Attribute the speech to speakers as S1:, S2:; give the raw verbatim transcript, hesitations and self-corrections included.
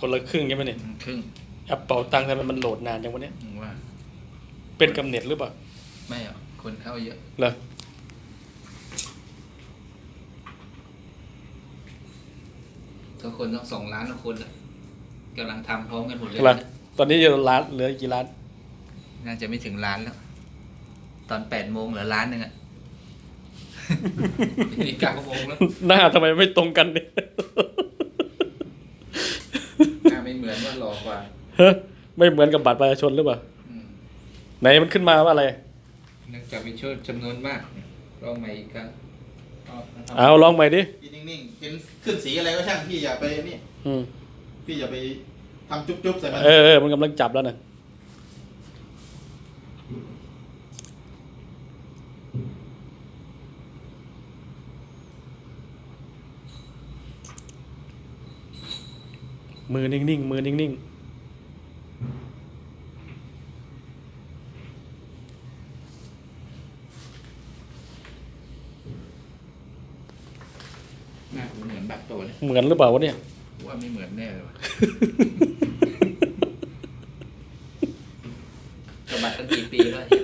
S1: คนละครึ่งใช่ไหมเนี่ย
S2: ครึ่ง
S1: แอปเป่าตังค์ทำไมมันโหลดนานจังวะเนี่ย
S2: ว่า
S1: เป็นกำเนิดหรือเปล่า
S2: ไม่อ่ะคนเข้าเยอะ
S1: เหรอ
S2: ทุกคนต้องสองล้านทุกคนอ่ะกำลังทำพร้อมกันหมดเลย
S1: เหรอตอนนี้อยู่ล้านเหลือกี่ล้าน
S2: น่าจะไม่ถึงล้านแล้ว ตอนแปดโมงเหลือล้านหนึ่งอ่ะ นี่เก้าโมงแล้ว
S1: หน้าทำไมไม่ตรงกันเนี่ย
S2: หน้าไม่เหมือนว่าหลอกกว่า
S1: เฮ้ยไม่เหมือนกับบัตรประชาชนหรือเปล่า
S2: อืม
S1: ไหนมันขึ้นมาว่าอะไร
S2: เนื่องจากมีช่วจำนวนมากลองใหม่อีกครั้ง
S1: เอาลองใหม่ดิ
S3: พี่นิ่งๆเป็นขึ้นสีอะไรก็ช่างพี่อย่าไปนี่
S1: อืม
S3: พี่อย่าไปทำจุ๊บๆใส่มัน
S1: เออเออมันกำลังจับแล้วนะมือนิ่งๆมือนิ่งๆ
S2: หน้าผมเหมือนบัตรโตเลย
S1: เหมือนหรือเปล่าวะเนี่ย
S2: ว่าไม่เหมือนแน่เลยว่ะ กับบัตรตั้งกี่ปีแล้วเนี่ย